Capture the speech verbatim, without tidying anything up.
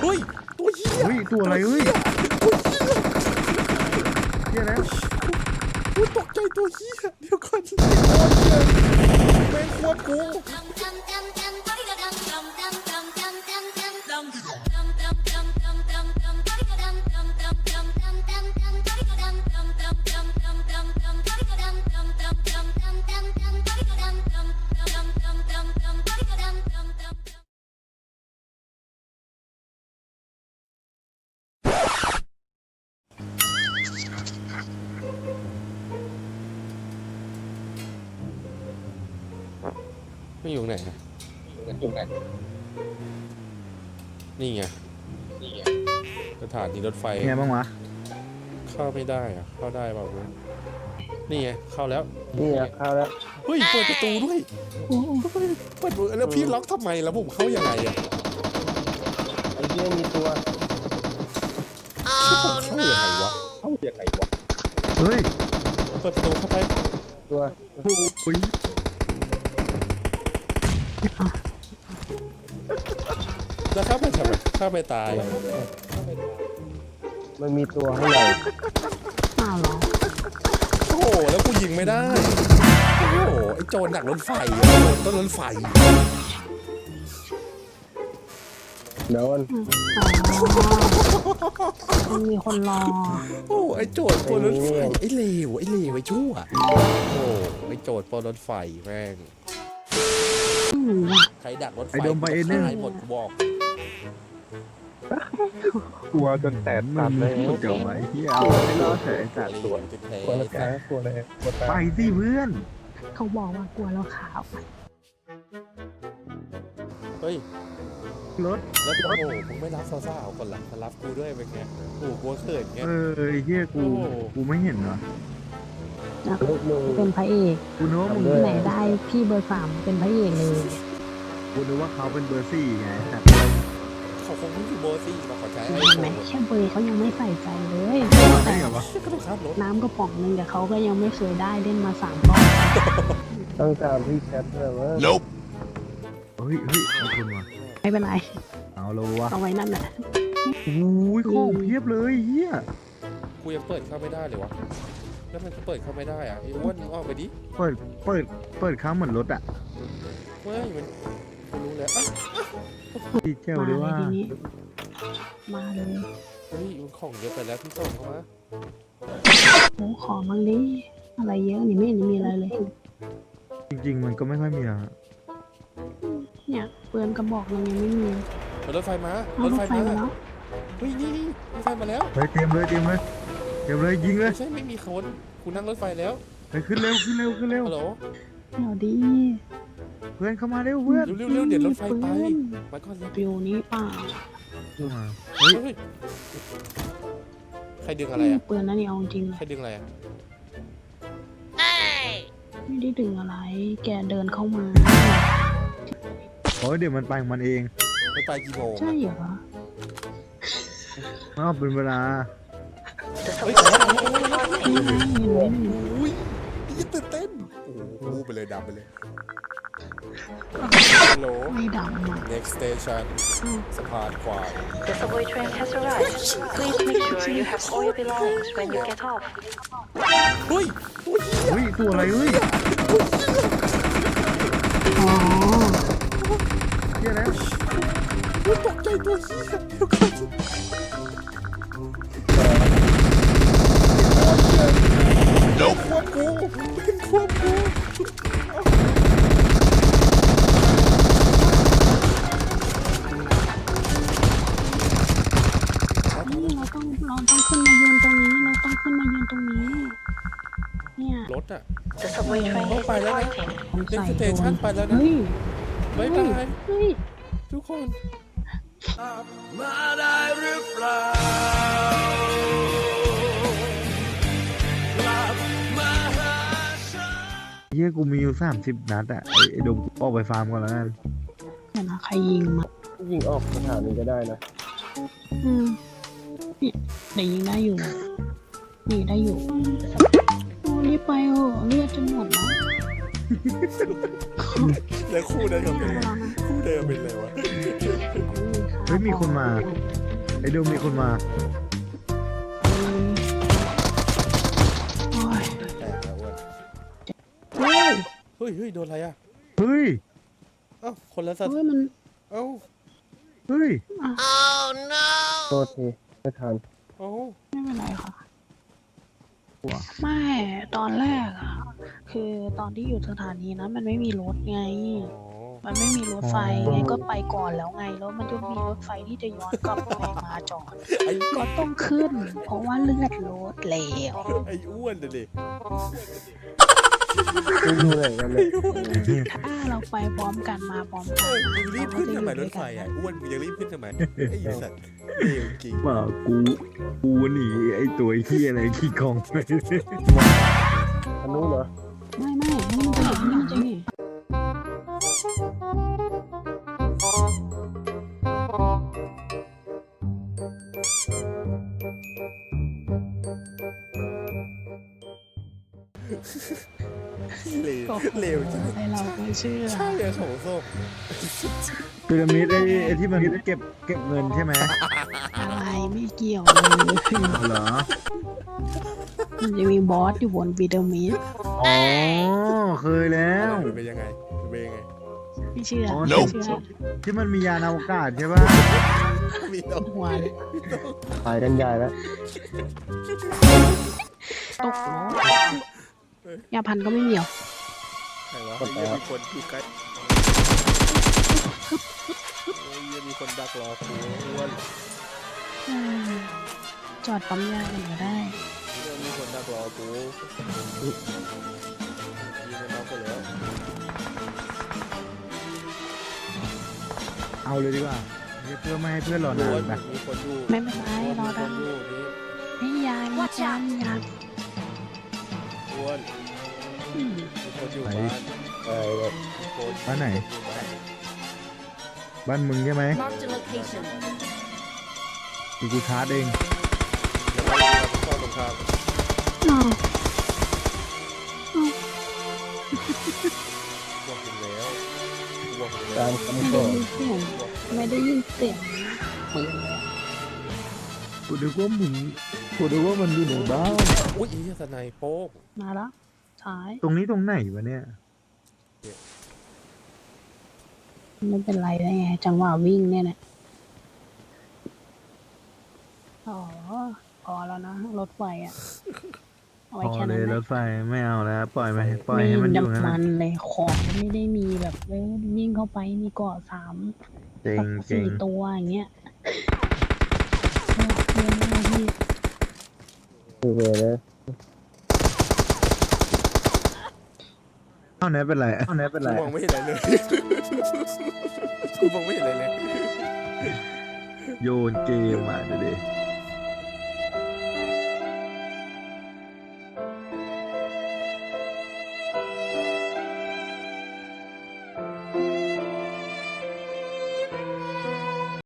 เฮ้ยตัวเหี้ยเฮ้ยตัวอะไรเฮ้ยเหี้ยแล้วกูตกใจตัวเหี้ยเดี๋ยวก่อนแม่งควบกูไม่อยู่ไหนนะอยู่ไหนนี่ไงนี่ไงสถานีรถไฟไงบ้างวะเข้าไม่ได้อะเข้าได้เปล่าเว้ยนี่ไงเข้าแล้วนี่ไงเข้าแล้วเฮ้ยเปิดประตูด้วยเปิดประตูแล้วพี่ล็อกทำไมแล้วผมเข้ายังไงอะไอ้เหี้ยมีตัวเข้ายังไงวะเข้ายังไงวะเฮ้ยเปิดประตูเข้าไปตัวอุ้ยแล้วเข้าไปทำไมเข้าไปตายมันมีตัวข้างในอ้าวเหรอโอ้โหแล้วกูยิงไม่ได้โอ้โหไอ้โจรหนักรถไฟอะโจรต้นรถไฟโดนอ๋อมันมีคนรอโอ้ไอ้โจรปนรถไฟไอ้เลวไอ้เลวไอ้ชั่วโอ้ไอ้โจรปนรถไฟแม่งไม่รู้อ่ะใครดักรถไฟไอ้โดมไปเอเนอร์ตายหมดกูบอกกลัวจนแตกมัตันบเลยเดี๋ยวไอ้เหี้ยเอาไม่รอดเฉยจัดตัวจะแพ้กลัวแล้วแกกลัวเลยกลัวตาไปยสิเพื่อนเขาบอกว่ากลัวเราขาวเฮ้ยรถแล้วโอ้โหมึงไม่รับสาวๆก่อนล่ะมารับกูด้วยเป็นไงโอ้โหกลัวเขินไงเออไอ้เหี้ยกูโอ้กูไม่เห็นเหรอนะลูกมึงเป็นพระเอกกูนึกว่ามึงที่ไหนได้พี่เบอร์สามเป็นพระเอกเลยกูนึกว่าเขาเป็นเบอร์สี่ไงแต่เขาคงไม่อยู่โบซี่มาขอใช้ไอเห็นโฟไหมนแค่เบอร์เขายังไม่ใส่ใจเลยใช่เหรอวะก็ต้องข้ามรถน้ำกระป๋องหนึงแต่เขาก็ยังไม่เคยได้เล่นมาสามรอบต้องตามพี่แชทเลยว่าเฮ้ยเฮ้ยเอาคนมาไม่เป็นไรเอาเลยวะเอาไว้นั่นแหละโอ้ยของเพียบเลยเหี้ยกูยังเปิดเข้าไม่ได้เลยวะแล้วมันก็เปิดเข้าไม่ได้อ่ะไอ้อ้วนมึงออกไปดิเปิดเปิดเปิดค้างเหมือนรถอ่ะเฮ้ยมันกูรู้แล้วอ่ะดีเจลมาด้วยเลยว่าทีนี้ มาเลยเฮ้ยมันของเยอะไปแล้วพี่ส่งเข้ามาโอ้ขอมั่งดิอะไรเยอะนี่ไม่เห็นมีอะไรเลยจริงๆมันก็ไม่ค่อยมีอะเนี่ยเปือนกระบอกมันยังไม่มีรถไฟมาเอารถรถไฟไฟมามาแล้วเฮ้ยนี่นี่รถไฟมาแล้วเฮ้ยเตรียมเลยเตรียมเลยเตรียมเลยยิงเลยไม่ใช่ไม่มีคนกูนั่งรถไฟแล้วเฮ้ยขึ้นเร็วขึ้นเร็วขึ้นเร็วฮัลโหลเดี๋ยวดีเพื่อนเข้ามาเร็วเพื่อนเร็วเร็วๆเดี๋ยวรถไฟไปเปื้อนมาก่อนเลยฟิวนี้เปล่าเข้ามาเฮ้ยเฮ้ยใครดึงอะไรอ่ะเปือนนั่นนี่เอาจริงเลใครยดึงอะไรอ่ะไม่ได้ดึงอะไร แกเดินเข้ามาโอ้ยเดี๋ยวมันไปของมันเองไม่ไปกี่โมงใช่เหรออ้าวเป็นเวลาเฮ้ยนี่ไงเห็นไหมอุ้ยยิ่งตื่นเต้นโอ้โหไปเลยดับไปเลยฮัลโหลไม่ดำอ่ะ next station สะพานควาย The subway train has arrived. Please make sure you have all your belongings when you get off. เฮ้ยโอ้ยเฮ้ยตัวอะไรเฮ้ยอ๋อเฮียแล้วตกใจตัวเหี้ยเดี๋ยวก่อนควบกูเป็นควบกูนี่เราต้องเราต้องขึ้นมายืนตรงนี้ เราต้องขึ้นมายืนตรงนี้ เนี่ยรถอ่ะ The subway train is Bye, Lana. departing. ผมเล่นใส่สเตโดชันนไปแล้วนะเฮ้ยบ๊ายบายเฮ้ยทุกคนเฮียกูมีอยู่สามสิบนัดอะไอ้ไอ้ดมกูออกไปฟาร์มก่อนแล้วกันเดี๋ยวนะใครยิงมายิงออกสถานีก็ได้นะอืมเนี่ยเดี๋ยวยิงได้อยู่ยิงได้อยู่โอ้รีบไปเถอะเลือดจะหมดแล้วแล้วคู่นั้นก็เป็นอะไรคู่เดิมเป็นอะไรวะเฮ้ยมีคนมาเไอ้โดมมีคนมาโอ้ยแตกแล้วอ้วนเฮ้ยเฮ้ยเฮ้ยโดนอะไรอ่ะเฮ้ยเอ้าคนละสัตว์เฮ้ยมันเอ้าเฮ้ยโทษทีไม่ทันเอ้าไม่เป็นไรค่ะไม่ตอนแรกอะคือตอนที่อยู่สถานีนั้นมันไม่มีรถไงอ๋อมันไม่มีรถไฟอ๋อไงก็ไปก่อนแล้วไงแล้วมันจะมีรถไฟที่จะย้อนกลับไปมาจอดไอ้ก็ต้องขึ้น เพราะว่าเลือดรถแล้วไอ้อ้วนเลยดิไม่ดูไหนกันเลยถ้าเราไปพร้อมกันมาพร้อมกัเอน อมึงรีบขึ้นทำไมรเราถก็ไฟจะอยู่ด้วยกันอ่ะอ้วนมึงยังรีบขึ้นทำไมไอ้สัตว์เลวจริงเปล่ากูกูหนีไอ้ตัวไอ้ขี้อะไรขี้กองไปอันนู้นเหรอไม่ไม่นี่มันจะอยู่นี่มันจะนี่เลวเลวจริงไอเราไม่เชื่อใช่เลยของส้มพีระมิดไอ้ไอ้ที่มันเก็บเก็บเงินใช่ไหมอะไรไม่เกี่ยวเลยเอาเหรอมันจะมีบอสอยู่บนพีระมิดอ๋อเคยแล้วมันเป็นยังไงมันเป็นยังไงไม่เชื่ออ๋อไม่เชื่อที่มันมียานอวกาศใช่ป่ะมีต้องหัวเลยถ่ายกันใหญ่แล้วตกล้อยาพันก็ไม่มีหรอใครวะไอ้เหี้ยมีคนอยู่ใกล้โอ้ยเหี้ยมีคนดักรอกูอ้วนอืมจอดปั๊มยากันก็ได้เหี้ยมีคนดักรอกูยิงมันน็อกไปแล้วเอาเลยดีกว่าเพื่อไม่ให้เพื่อนรอนานอ้วนนะมีคนอยู่ไม่เป็นไรรอมีคได้นอยู่นี่ไม่ยายไม่ยายยายอ้วนอืมมีคนอยู่บ้านใช่เลยมีคนบ้านไหนอยู่บ้านบ้านมึงใช่ไหม Marked a location. คือกูชาร์จเองแล้วก็เราเข้าตรงข้ามอ้าวบวกถึงแล้วบวกถึงตาแล้วมคำไม่ขได้อยินเสียงไม่ได้ยินเสียงปืนเลยอะกูนึกว่ามึงกูนึกว่ามันอยู่ในบ้านอุ้ยไอ้เหี้ยสไนโป๊กมาแล้วซ้ายตรงนี้ตรงไหนวะเนี่ยไม่เป็นไรได้ไงจังหวะวิ่งเนี่ยนะอ๋อพอแล้วนะรถไฟอ่ะเอาพไว้อแค่เลนั้นยนะรถไฟไม่เอาแล้ว ปล่อยไปปล่อยไม่ให้มันอยู่งั้นน้ำมันะนเลยของไม่ได้มีแบบเอ้ยยิ่งเข้าไปมีเกาะสามเจ๋งสักเจ๋สี่งตัวอย่างเงี้ยเออเรียนไม่ได้ที่คือเลยนะเอาไหนเป็นไรเอาไหนเป็นไรกูมองไม่เห็นอะไรเลยกูมองไม่เห็นอะไรเลยโยนเกมอ่ะเดี๋ยวดิ